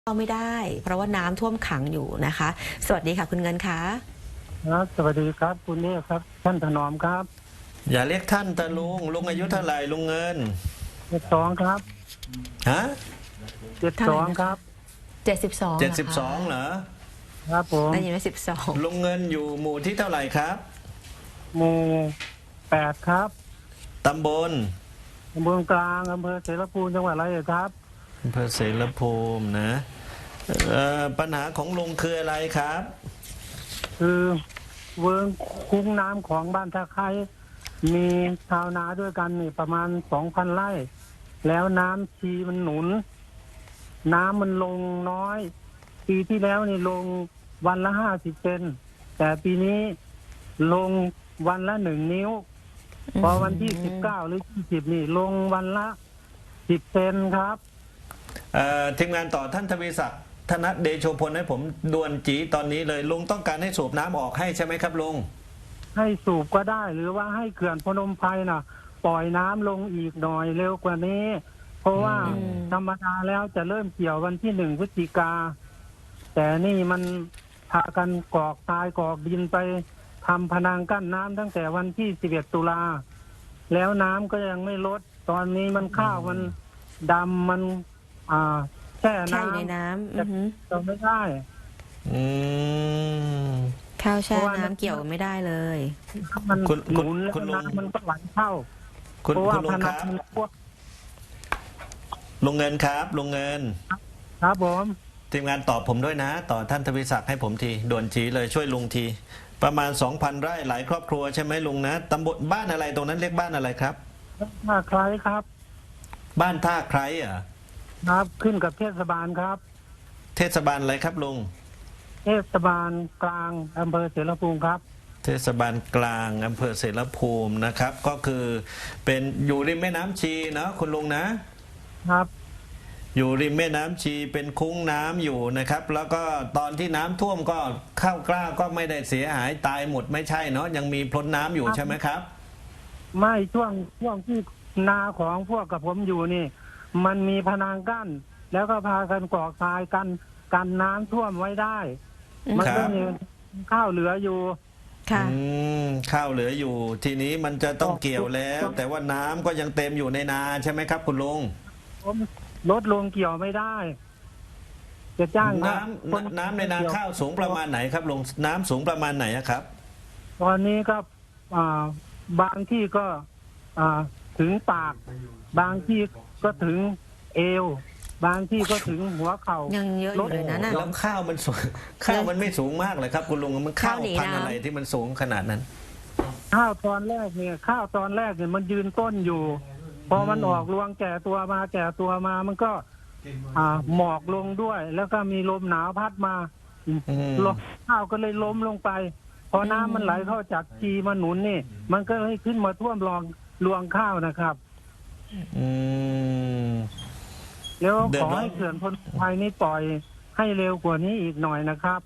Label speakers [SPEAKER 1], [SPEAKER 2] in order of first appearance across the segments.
[SPEAKER 1] เข้าไม่ได้เพราะว่าน้ำท่วมขังอยู่นะคะ สวัสดีค่ะคุณเงินคะ
[SPEAKER 2] ครับสวัสดีครับคุณเนธครับท่านถนอมครับ
[SPEAKER 3] อย่าเรียกท่านแต่ลุงอายุเท่าไหร่ลุงเงิน
[SPEAKER 2] 72ครับ
[SPEAKER 3] ฮะ
[SPEAKER 1] เท่าไหร่
[SPEAKER 2] 72
[SPEAKER 1] นะคะ
[SPEAKER 2] ครับ
[SPEAKER 1] 72เหรอคะ
[SPEAKER 3] 72เหรอ
[SPEAKER 2] ครับผม
[SPEAKER 1] ได้ยินไหม12
[SPEAKER 3] ลุงเงินอยู่หมู่ที่เท่าไหร่ครับ
[SPEAKER 2] หมู่8ครับ
[SPEAKER 3] ตำบล
[SPEAKER 2] ตำบลกลางอำเภอเสรภูมิจังหวัดร้อยเอ็ดครับ
[SPEAKER 3] อำเภอเสรภูมินะปัญหาของลุงคืออะไรครับ
[SPEAKER 2] คือเวิร์งคุ้งน้ำของบ้านท่าไคร้มีชาวนาด้วยกันนี่ประมาณ 2,000 ไร่แล้วน้ำชีมันหนุนน้ำมันลงน้อยปีที่แล้วนี่ลงวันละ50 เซนแต่ปีนี้ลงวันละ1 นิ้วพอวันที่19หรือ20นี่ลงวันละ10 เซนครับ
[SPEAKER 3] ทีมงานต่อท่านทวีศักดิ์ธนเดโชพลให้ผมด่วนจีตอนนี้เลยลุงต้องการให้สูบน้ำออกให้ใช่ไหมครับลุง
[SPEAKER 2] ให้สูบก็ได้หรือว่าให้เขื่อนพนมไพรน่ะปล่อยน้ำลงอีกหน่อยเร็วกว่านี้เพราะว่าธรรมดาแล้วจะเริ่มเกี่ยววันที่1 พฤศจิกาแต่นี่มันพากันกรอกทรายกรอกดินไปทำพนังกั้นน้ำตั้งแต่วันที่11 ตุลาแล้วน้ำก็ยังไม่ลดตอนนี้มันข้าวมันดำมันแช่
[SPEAKER 1] แช่อยู่ใน
[SPEAKER 2] น้
[SPEAKER 1] ำ
[SPEAKER 2] จะไม่ได้
[SPEAKER 1] ข้าวแช่น้ำเกี่ยวไม่ได้เลย
[SPEAKER 2] มันหนุนแล้วน้ำมันก็ไหลเข้าเพราะว่าพนังมันพวก
[SPEAKER 3] ลุงเงินครับลุงเงิน
[SPEAKER 2] ครับผม
[SPEAKER 3] ทีมงานตอบผมด้วยนะต่อท่านทวีศักดิ์ให้ผมทีด่วนจีเลยช่วยลุงทีประมาณ 2,000 ไร่หลายครอบครัวใช่ไหมลุงนะตำบลบ้านอะไรตรงนั้นเรียกบ้านอะไรครับ
[SPEAKER 2] ท่าไคร้ครับ
[SPEAKER 3] บ้านท่าไคร้เหรอ
[SPEAKER 2] ครับขึ้นกับเทศบาลครับ
[SPEAKER 3] เทศบาลอะไรครับลุง
[SPEAKER 2] เทศบาลกลางอำเภอเสรภูมิครับ
[SPEAKER 3] เทศบาลกลางอำเภอเสรภูมินะครับก็คือเป็นอยู่ริมแม่น้ำชีนะคุณลุงนะครับอยู่ริมแม่น้ำชีเป็นคุ้งน้ำอยู่นะครับแล้วก็ตอนที่น้ำท่วมก็ข้าวกล้าก็ไม่ได้เสียหายตายหมดไม่ใช่เนาะยังมีพ้นน้ำอยู่ใช่ไหมครับ
[SPEAKER 2] ไม่ช่วงที่นาของพวกกับผมอยู่นี่มันมีพนังกั้นแล้วก็พากันกรอกทรายกันน้ำท่วมไว้ได้มันก็มีข้าวเหลืออยู่
[SPEAKER 1] ค่ะ
[SPEAKER 3] ข้าวเหลืออยู่ทีนี้มันจะต้องเกี่ยวแล้วแต่ว่าน้ำก็ยังเต็มอยู่ในนาใช่ไหมครับคุณลุง
[SPEAKER 2] ลดลงเกี่ยวไม่ได้จะจ้าง
[SPEAKER 3] น้ำในนาข้าวสูงประมาณไหนครับลุงน้ำสูงประมาณไหนครับ
[SPEAKER 2] ตอนนี้ก็บางที่ก็ถึงปากบางที่ก็ถึงเอวบางที่ก็ถึงหัวเข่า
[SPEAKER 1] ยังเยอะอยู่เลยนะ
[SPEAKER 3] แล้วข้าวมันสูงข้าวมันไม่สูงมากเลยครับคุณลุงมันข้าวพันธุ์อะไรที่มันสูงขนาดนั้น
[SPEAKER 2] ข้าวตอนแรกเนี่ยมันยืนต้นอยู่พอมันออกรวงแก่ตัวมามันก็หมอกลงด้วยแล้วก็มีลมหนาวพัดมาข้าวก็เลยล้มลงไปพอน้ำมันไหลเข้าจากชีมาหนุนนี่มันก็เลยขึ้นมาท่วมรวงข้าวนะครับแล้วขอให้เขื่อนพนมไพรนี้ปล่อยให้เร็วกว่านี้อีกหน่อยนะครับ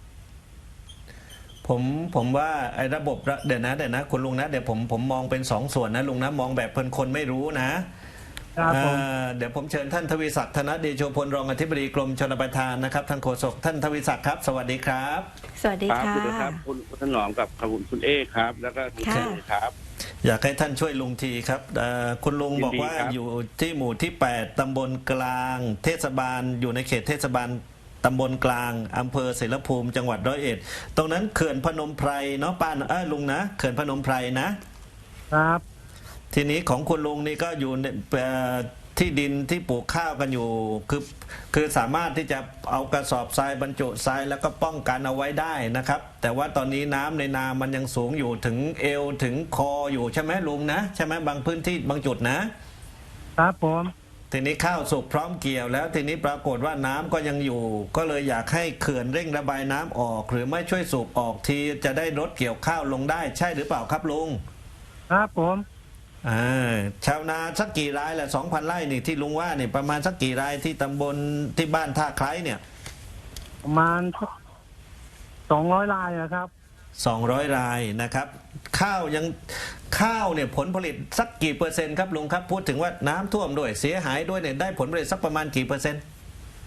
[SPEAKER 3] ผมว่าไอ้ระบบเดี๋ยวนะคุณลุงนะเดี๋ยวผมมองเป็น2 ส่วนนะลุงนะมองแบบเป็นคนไม่รู้นะเดี๋ยวผมเชิญท่านทวีศักดิ์ธนเดโชพลรองอธิบดีกรมชลประทานนะครับท่านโฆษกท่านทวีศักดิ์ครับสวัสดีครับ
[SPEAKER 1] สวัสดีค่ะ
[SPEAKER 4] ครับคุณถนอมกับคุณเอครับแล้วก็คุณเจครับ
[SPEAKER 3] อยากให้ท่านช่วยลุงทีครับคุณลุงบอกว่าอยู่ที่หมู่ที่8ตำบลกลางเทศบาลอยู่ในเขตเทศบาลตำบลกลางอำเภอเสรภูมิจังหวัดร้อยเอ็ดตรงนั้นเขื่อนพนมไพรเนาะป้าลุงนะเขื่อนพนมไพร
[SPEAKER 2] นะครับ
[SPEAKER 3] ทีนี้ของคุณลุงนี่ก็อยู่ที่ดินที่ปลูกข้าวกันอยู่คือสามารถที่จะเอากระสอบทรายบรรจุทรายแล้วก็ป้องกันเอาไว้ได้นะครับแต่ว่าตอนนี้น้ำในนามันยังสูงอยู่ถึงเอวถึงคออยู่ใช่ไหมลุงนะใช่ไหมบางพื้นที่บางจุด
[SPEAKER 2] นะครับผม
[SPEAKER 3] ทีนี้ข้าวสุกพร้อมเกี่ยวแล้วทีนี้ปรากฏว่าน้ำก็ยังอยู่ก็เลยอยากให้เขื่อนเร่งระบายน้ำออกหรือไม่ช่วยสูบออกทีจะได้ลดเกี่ยวข้าวลงได้ใช่หรือเปล่าครับลุง
[SPEAKER 2] ครับผม
[SPEAKER 3] ชาวนาสักกี่รายแหละ 2,000 ไร่นี่ที่ลุงว่านี่ประมาณสักกี่รายที่ตำบลที่บ้านท่าไคร้เนี่ย
[SPEAKER 2] ประมาณ200 รายนะครับ
[SPEAKER 3] 200 รายนะครับข้าวเนี่ยผลผลิตสักกี่เปอร์เซ็นต์ครับลุงครับพูดถึงว่าน้ำท่วมด้วยเสียหายด้วยเนี่ยได้ผลผลิตสักประมาณกี่เปอร์เซ็นต์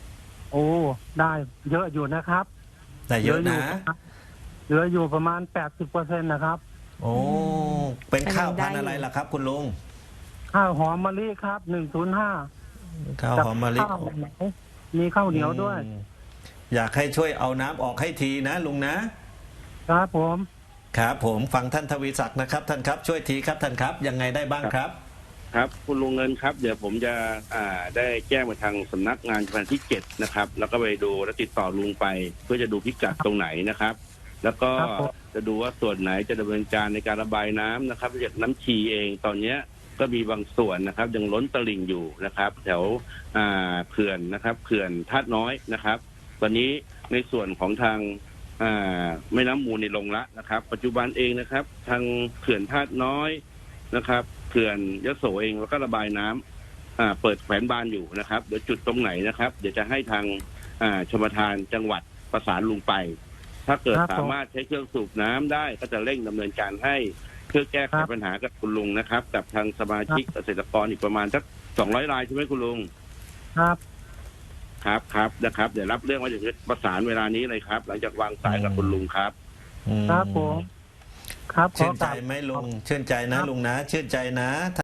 [SPEAKER 2] โอ้ได้เยอะอยู่นะครับ
[SPEAKER 3] แต่เยอะนะ
[SPEAKER 2] เหลืออยู่ประมาณ 80%นะครับ
[SPEAKER 3] โอ้เป็นข้าวพันธุ์อะไรล่ะครับ คุณลุง
[SPEAKER 2] ข้าวหอมมะลิครับ105
[SPEAKER 3] ข้าวหอมมะลิ
[SPEAKER 2] ข้าวเหนียวมีข้าวเหนียวด้วย
[SPEAKER 3] อืมอยากให้ช่วยเอาน้ำออกให้ทีนะลุงนะ
[SPEAKER 2] ครับผม
[SPEAKER 3] ครับผมฟังท่านทวีศักดิ์นะครับท่านครับช่วยทีครับท่านครับยังไงได้บ้างครับ
[SPEAKER 4] ครับคุณลุงเงินครับเดี๋ยวผมจะได้แจ้งไปทางสำนักงานพันธุ์ที่7นะครับแล้วก็ไปดูและติดต่อลุงไป เพื่อจะดูพิกัดตรงไหนนะครับ แล้วก็
[SPEAKER 2] ครับผม
[SPEAKER 4] จะดูว่าส่วนไหนจะดำเนินการในการระบายน้ำนะครับจากน้ำชีเองตอนเนี้ยก็มีบางส่วนนะครับยังล้นตลิ่งอยู่นะครับ แถวเขื่อนนะครับเขื่อนธาตุน้อยนะครับ ตอนนี้ในส่วนของทางแม่น้ำมูลในลงละนะครับ ปัจจุบันเองนะครับ ทางเขื่อนธาตุน้อยนะครับเขื่อนยโสเองแล้วก็ระบายน้ำเปิดแขวนบานอยู่นะครับเดี๋ยวจุดตรงไหนนะครับ เดี๋ยวจะให้ทางชลประทานจังหวัดประสานลุงไป ถ้าเกิด
[SPEAKER 2] ครับผม
[SPEAKER 4] สามารถใช้เครื่องสูบน้ำได้ก็จะเร่งดำเนินการให้เพื่อแก้ไข
[SPEAKER 2] ครับ
[SPEAKER 4] ปัญหากับคุณลุงนะครับ กับทางสมาชิกเกษตรกรอีกประมาณสัก200 รายใช่ไหมคุณลุง
[SPEAKER 2] ครับ
[SPEAKER 4] ครับนะครับเดี๋ยวรับเรื่องไว้เดี๋ยวจะประสานเวลานี้เลยครับ หลังจากวางสายกับคุณลุงครับ
[SPEAKER 3] อืม
[SPEAKER 2] ครับผมครับขอ
[SPEAKER 3] ชื่น
[SPEAKER 2] ก
[SPEAKER 3] ใจ
[SPEAKER 2] ราบ
[SPEAKER 3] ไหมลุงชื่นใจนะลุงนะชื่นใจนะ